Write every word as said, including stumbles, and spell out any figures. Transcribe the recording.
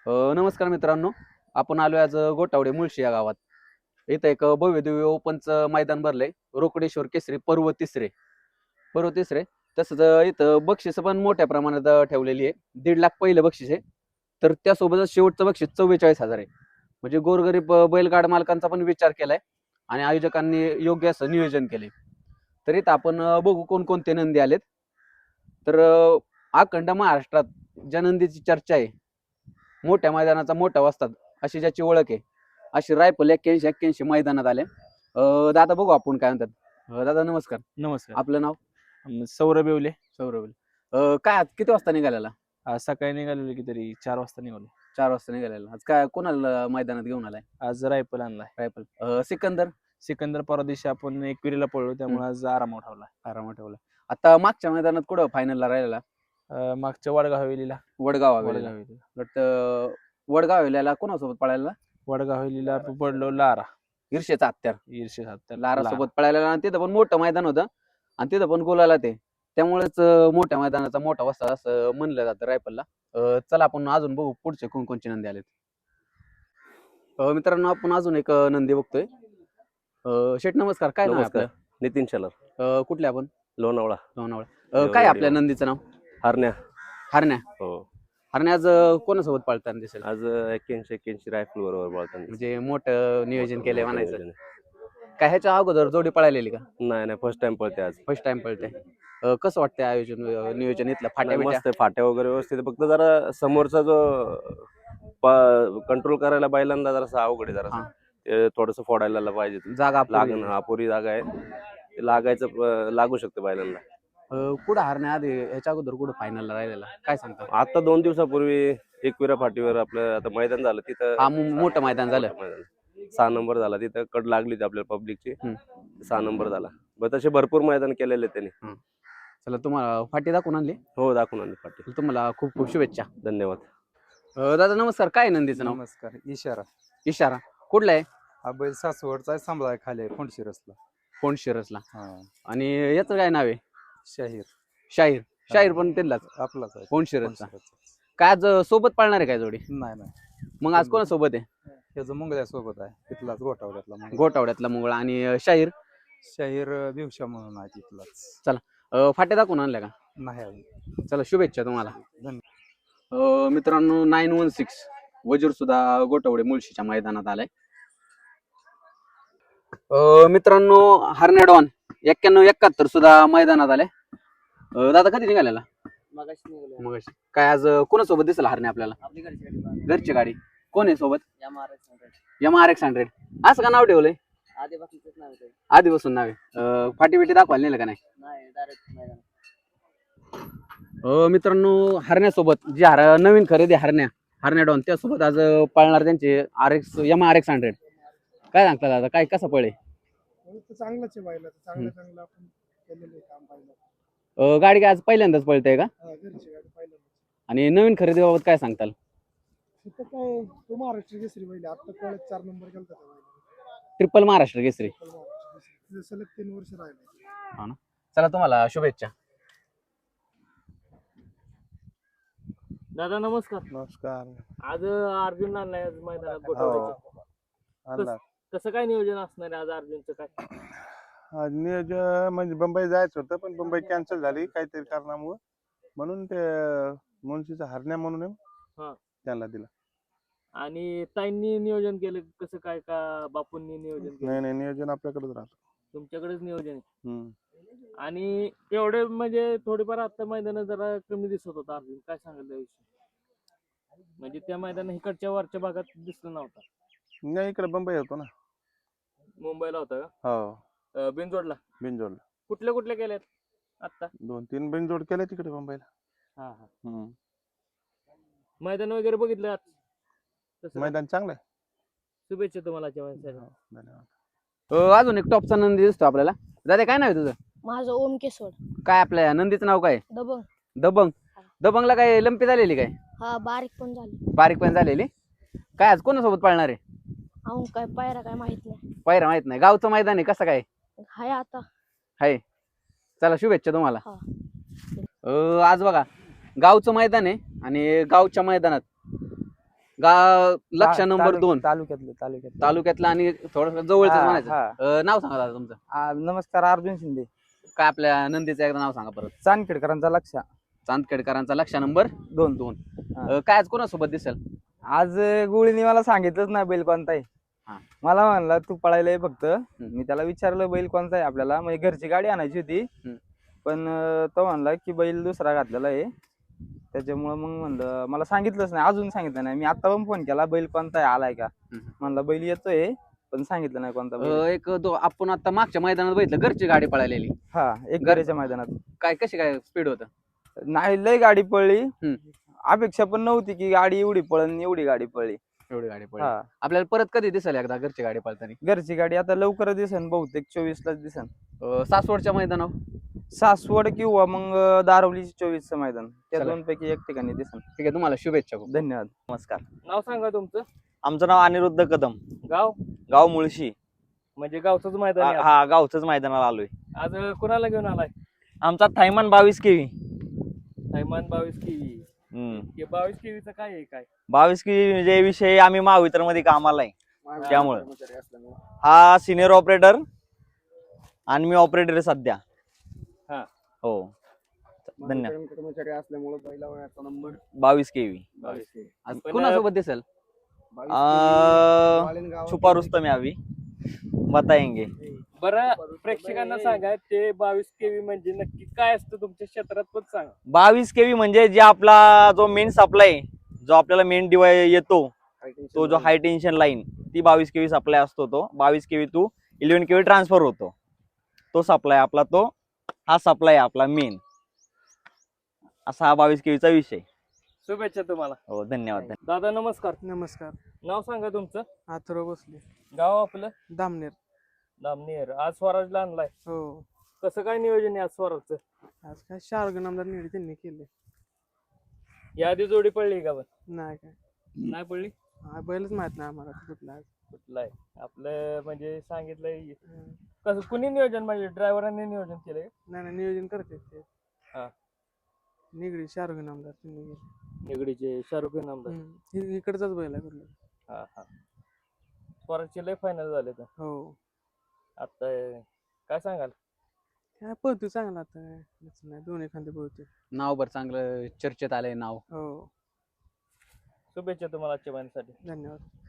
अ, नमस्कार मित्रांनो, आपण आलोय आज अ, गोटावडे मुळशी या गावात. इथं एक अ, भव्य दिव्य ओपनचं मैदान भरलंय. रोकडेश्वर केसरी पर्व तिसरे पर्व तिसरे तसंच अ, इथं बक्षिसं पण मोठ्या प्रमाणात अ, ठेवलेली आहे. दीड लाख पहिलं बक्षीस आहे. तर त्यासोबतच शेवटचं बक्षीस चव्वेचाळीस हजार आहे. म्हणजे गोरगरीब अ, बैलगाडा मालकांचा पण विचार केलाय आणि आयोजकांनी योग्य असं नियोजन केलंय. तर इथं आपण अ, बघू कोणकोणते नंदी आलेत. तर अ, अखंड महाराष्ट्रात ज्या नंदीची चर्चा आहे, मोठ्या मैदानाचा मोठा वस्ताद अशी ज्याची ओळख आहे, अशी रायफल एक्क्याऐंशी एक्क्याऐंशी मैदानात आले. अ, दादा बघू आपण काय म्हणतात. अ, दादा नमस्कार. नमस्कार. आपलं नाव? अं, सौरभ येवले. सौरभ. अ, काय आज किती वाजता निघालेला? आज सकाळी निघालेलो की तरी चार वाजता निघालो. चार वाजता निघालेला. आज काय कोणाला मैदानात घेऊन आलाय? आज रायफल आणलाय. रायफल. अ, सिकंदर सिकंदर परवा दिवशी आपण एकविरीला पळलो त्यामुळे आज आरामावर ठेवला. आरामात ठेवला. आता मागच्या मैदानात कुठं फायनलला राहिलेला? अं, मागच्या वडगाव हवेलीला वडगाव वडगाव हवेलीला. हवेलीला वाटतं वडगाव हवेलीला कोणासोबत पळायला? वडगाव हवेलीला पडलो लारा ईर्षेचा हत्यार. ईर्षे सात लारा सोबत पळायला आणि तिथं पण मोठं मैदान होतं आणि तिथं पण गोलाला ते त्यामुळेच अं, मोठ्या मैदानाचा मोठा वस्ताद असं म्हणलं जातं रायफलला. अं, चला आपण अजून बघू पुढचे कोणकोणचे नंदी आलेत. अं, मित्रांनो आपण अजून एक अं, नंदी बघतोय. अं, शेठ नमस्कार, काय नाव आहे नमस्कार. आपलं? नितीन शेलार, अं, कुठले आपण? लोणावळा. लोणावळा. अं, काय आहे आपल्या देववाडी. नंदीचं नाव? हरण्या. हरण्या. हो. हरण्या आज अं, कोणासोबत पळताना दिसेल? आज एक्क्याऐंशी एक्क्याऐंशी रायफल बरोबर बोलताना म्हणजे मोठं नियोजन केलंय मोठं म्हणायचं. नियोजन आहे. काय ह्याच्या अगोदर जोडी पळालेली का? नाही नाही फर्स्ट टाइम पळते आज. फर्स्ट टाइम पळते. अं, कसं वाटतंय आयोजन अं, नियोजन इथलं फाट्या नाही, बिट्या? मस्त आहे. फाट्या वगैरे व्यवस्थित आहे. फक्त जरा समोरचा जो कंट्रोल करायला बैलांना जरासा अवघड आहे जरासा. हा. ते थोडंसं फोडायला पाहिजे. जागा अपुरी लागण आहे. अपुरी जागा आहे. ते लागायचं प- लागू शकतं बैलांना. अं, कुठं हरण्या आधी ह्याच्या अगोदर कुठं फायनलला राहिलेला काय सांगता? आता दोन दिवसापूर्वी एकविरा फाटीवर आपलं आता मैदान झालं तिथं. हा मो- मोठं मैदान झालं. मोठं मैदान. सहा नंबर झाला तिथं कड लागली होती आपल्याला पब्लिकची. हम्म. सहा नंबर झाला. मग तसे भरपूर मैदान केलेले आहेत त्यांनी. चला तुम्हाला फाटी दाखवून आणली. हो दाखवून आणली फाटी. तर तुम्हाला खूप खूप शुभेच्छा. धन्यवाद. अं, दादा नमस्कार, काय आहे नंदीचं नाव? नमस्कार. इशारा. इशारा. कुठला आहे? हा बैल सासवडचा आहे, सांभाळा आहे खाली आहे फोंडशिरसला. फोन शिरसला. हा. आणि याचं काय नाव आहे? शाहीर शाहीर. शाहीर पण त्यांनाच आपलाच आहे. फोन शिरसचा. फोंडशिरसचा. काय आज अं, सोबत पाळणार आहे काय जोडी? नाही नाही मग आज कोणासोबत आहे? त्याचं मुंगळ्या सोबत आहे तिथलाच गोठावड्यातला मुंगळा. गोटावड्यातला मुंगळा आणि अं, शाहीर. शाहीर भिवशा म्हणून आहे तिथलाच. अं, फाट्या दाखवून आणल्या का? नाही आहे. चला शुभेच्छा तुम्हाला. धन्यवाद. अं, मित्रांनो नाईन वन सिक्स वजीर सुद्धा गोटवडे मुळशीच्या मैदानात आलाय. अं, मित्रांनो हरण्या डॉन एक्क्याण्णव एकाहत्तर सुद्धा मैदानात आलाय. अं, दादा कधी निघालेला? मगाशी निघालो. मगाशी. काय आज अं, कोणासोबत दिसेल हरण्या आपल्याला? आपली घरची गाडी बाहेर. घरची गाडी. कोण आहे सोबत? या महाराष्ट्रात एम आर एक्स हंड्रेड. असं का नाव ठेवलंय? आधीपासूनच नाव आहे. आधीपासून नाव आहे. अं, फाटी बिटी दाखवायला नेलं का नाही? नाही डायरेक्ट मैदान. अं, मित्रांनो हरण्यासोबत जी हर नवीन खरेदी हरण्या हरण्या डॉन त्यासोबत आज अं, पाळणार त्यांचे R X M R X hundred. काय सांगता दादा, काय कसं पळे? चांगलंच आहे बायला चांगलं चांगलं आपण केलेलं आहे काम पाहिलं. अं, गाडी काय आज पहिल्यांदाच पळते का? हा, घरची गाडी पाहिलं. आणि नवीन खरेदीबाबत काय सांगताल? तिथं काय तो महाराष्ट्र केसरी पहिले आता कळत चार नंबर केलता त्या बैलाने. ट्रिपल महाराष्ट्र केसरी. पण महाराष्ट्र केसरी तिथं सलग तीन वर्ष राहिले. चला तुम्हाला शुभेच्छा. दादा नमस्कार. नमस्कार. आज अर्जुन आणलाय आज मैदानात गोठवड्याच्या. आणला. कसं काय नियोजन असणार आहे आज अर्जुनचं काय? आज नियोजन म्हणजे मुंबई जायचं होतं पण मुंबई कॅन्सल झाली काहीतरी कारणामुळे म्हणून ते मुन्शीचा हरण्या म्हणून आहे, हा. त्यांना दिला. आणि ताईंनी नियोजन केलं कसं काय का बापूंनी नियोजन केलं? नाही नाही नियोजन आपल्याकडेच राहतं. तुमच्याकडेच नियोजन आहे. हम्म. आणि एवढे म्हणजे थोडीफार आता मैदान जरा कमी दिसत होता अर्जुन, काय सांगाल त्याविषयी? म्हणजे त्या मैदान इकडच्या वरच्या भागात दिसलं नव्हता. नाही इकडे मुंबई होतो ना. मुंबईला होता का? हो अं, बिनजोडला. बिनजोडला कुठल्या कुठल्या केल्यात आता? दोन तीन बिनजोड केले तिकडे मुंबईला. हा हा. हम्म. मैदान वगैरे बघितलं आज? तसं काय? मैदान चांगलं आहे. शुभेच्छा तुम्हाला आजच्या मैदानासाठी. हो, धन्यवाद. अं, अजून एक टॉपचा नंदी दिसतो आपल्याला. दादा काय नाव आहे तुझं? माझं ओम केसवड. काय आपल्या नंदीचं नाव काय? दबंग. दबंग. दबंगला काय लंपी झालेली काय? हा बारीक पण झाली. बारीक पण झालेली. काय आज कोणासोबत पाळणार आहे? अहो काय पायरा काय माहित नाही. पायरा माहित नाही. गावचं मैदान आहे कसं काय? हाय आता. हाय. चला शुभेच्छा तुम्हाला. हा. अं, आज बघा गावचं मैदान आहे आणि गावच्या मैदानात गाव लक्ष ता- नंबर तालुक- दोन तालुक्यातलं तालुक्यातलं तालुक्यातला आणि थोडं जवळच हा, म्हणायचं. हा. अं, नाव सांगा दादा तुमचं. आ, नमस्कार, अर्जुन शिंदे. काय आपल्या नंदीचं एकदा नाव सांगा परत. चांदखेडकरांचा लक्ष चांदखेडकरांचा लक्ष नंबर दोन दोन. हा. अं, काय आज कोणासोबत दिसेल? आज गुळीने मला सांगितलंच ना बैल कोणता आहे. हा. मला म्हणला तू पळायला ये फक्त. मी त्याला विचारलं बैल कोणता आहे आपल्याला, म्हणजे घरची गाडी आणायची होती. हम्म. पण अं, तो म्हणला की बैल दुसरा घातलेला आहे. त्याच्यामुळं मग म्हणलं मला सांगितलंच नाही, अजून सांगितलं नाही. मी आता पण फोन केला बैल कोणता आहे आलाय का, हम्म. म्हणला बैल येतोय पण सांगितलं नाही कोणता बैल. अं, एक दो आपण आता मागच्या मैदानात बघितलं घरची गाडी पळालेली. हा, एक घर- घराच्या मैदानात काय कशी काय स्पीड होतं? नाही, लय गाडी पळली. हम्म. अपेक्षा पण नव्हती की गाडी एवढी पळण, एवढी गाडी पळली. एवढी गाडी पळली. हा, आपल्याला परत कधी दिसेल एकदा घरची गाडी पळताना? घरची गाडी आता लवकर दिसन, बहुतेक चोवीस लाच दिसन. अं, सासवडच्या मैदानावर. सासवड किंवा मग दारवलीची चोवीसचं मैदान, त्या चला. दोन पैकी एक ठिकाणी दिसन. ठीक आहे, तुम्हाला शुभेच्छा खूप. धन्यवाद. नमस्कार. नाव सांगा तुमचं. आमचं नाव अनिरुद्ध कदम, गाव गाव मुळशी. म्हणजे गावचंच मैदान आहे आ- आज. हा, गावचंच मैदानाला आलोय. आज कुणाला घेऊन आलाय? आमचा थायमान बावीस केवी. थैमान बावीस केवी. हम्म. हे बावीस केवीचं काय आहे काय? बावीस केवी म्हणजे विषय आम्ही महावितर मध्ये कामाला आहे, त्यामुळे हा सिनियर ऑपरेटर आणि मी ऑपरेटर आहे सध्या. हा. हो, धन्यवाद. कर्मचारी असल्यामुळे पहिला वयाचा नंबर बावीस केवी. बावीस केवी. आज पण- कोणासोबत दिसेल? छुपा रुस्तम है अभी बताएंगे. बरं, प्रेक्षकांना सांगा ते बावीस केवी म्हणजे नक्की काय असतं तुमच्या क्षेत्रात पण सांगा. बावीस केवी म्हणजे जे आपला जो मेन सप्लाय, जो आपल्याला मेन डिवाय येतो, तो जो हाय टेन्शन लाईन, ती बावीस केवी सप्लाय असतो. तो बावीस KV two eleven KV transfer होतो, तो सप्लाय आपला, तो हा सप्लाय आपला मेन. असा हा बावीस केवीचा विषय. शुभेच्छा तुम्हाला. हो, धन्यवाद. दादा नमस्कार. नमस्कार. नाव सांगा तुमचं. आथर्व बसले, गाव आपलं. दामनेर. दामनेर. आज स्वराजला आणलाय. हो, कसं काय नियोजन आहे आज स्वराजचं? आज काय शार्ग नामदार निवडी त्यांनी केले. यादी जोडी पडली का? पण नाही काय, नाही पडली. हा बैलच माहित नाही आम्हाला कुठला आहे. कुठला आहे आपलं, म्हणजे सांगितलंय कसं, कुणी नियोजन म्हणजे ड्रायव्हरांनी नियोजन केलंय? नाही नाही, नियोजन करते ते. हा. निगडी शार्ग नामदार त्यांनी केले. निगडीचे शाहरुख खान आमदार. हम्म. हि- इकडचाच बैल आहे कुठला. हा हा. स्वराजचे लय फायनल झाले तर हो, आता. काय सांगाल? काय पळतो चांगला आता, काय असं नाही, दोन एखादे पळतो. नाव बरं चांगलं चर्चेत आलंय नाव. हो, शुभेच्छा तुम्हाला आजच्या महिन्यासाठी. धन्यवाद.